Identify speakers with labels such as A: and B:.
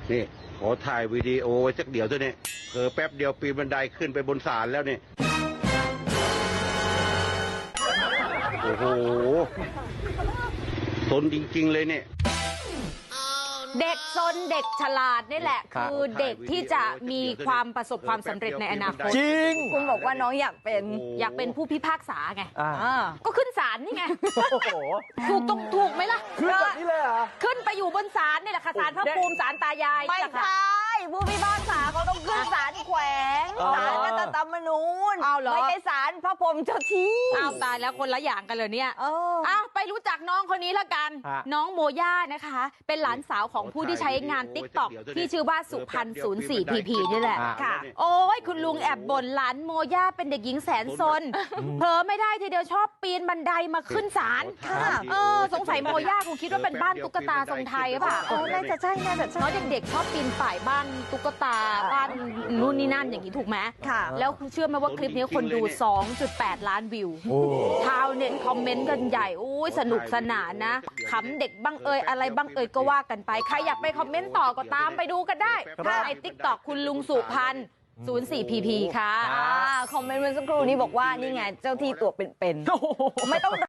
A: นี่ขอถ่ายวิดีโอไว้สักเดี๋ยวเถอะเนี่ยเผลอแป๊บเดียวปีนบันไดขึ้นไปบนศาลแล้วเนี่ยโอ้โหสนจริงๆเลยเนี่ย
B: เด็กซนเด็กฉลาดนี่แหละคือเด็กที่จะมีความประสบความสำเร็จในอนาคต
C: จริง
B: คุณบอกว่าน้องอยากเป็นผู้พิพากษาไงก็ขึ้นศาลนี่ไง
C: โอ้โห
B: ถูกไหมล่ะ
C: ขึ้นแบบนี้เลยเหรอ
B: ขึ้นไปอยู่บนศาลนี่แหละค่ะศาลพระภูมิศาลตายาย
D: ไม่ใช่ผู้พิพากษาเขาต้องขึ้นศาลแขวงศาลรัฐธรรมนูญไม่ใช่ศาลพระพรหมเจ้าที่
B: ตายแล้วคนละอย่างกันเลยเนี่ยไปรู้จักน้องคนนี้ละกันน้องโมย่านะคะเป็นหลานสาวของผู้ที่ใช้งาน TikTok ที่ชื่อว่าสุพรรณ04 PP นี่แหละค่ะโอ้ยคุณลุงแอบบ่นหลานโมย่าเป็นเด็กหญิงแสนซนเผลอไม่ได้ทีเดียวชอบปีนบันไดมาขึ้นศาลสงสัยโมย่าคงคิดว่าเป็นบ้านตุ๊กตาทรงไทยป่ะ
D: น่าจะใช่
B: น้องเด็กๆชอบปีนป่ายบ้านตุ๊กตาบ้านนู่นนี่นั่นอย่างนี้ถูกไหม
D: ค่ะ
B: แล้วเชื่อไหมว่าคลิปนี้คนดู 2.8 ล้านวิวชาวเน็ตคอมเมนต์กันใหญ่อุ้ยสนุกสนานนะขำเด็กบ้างเอ่ยอะไรบ้างเอ่ยก็ว่ากันไปใครอยากไปคอมเมนต์ต่อก็ตามไปดูกันได้ใน TikTok คุณลุงสุพรรณ04 PP ค่ะ
D: คอมเมนต์เมื่อสักครู่นี้บอกว่านี่ไงเจ้าที่ตัวเป็นๆไม่ต้อง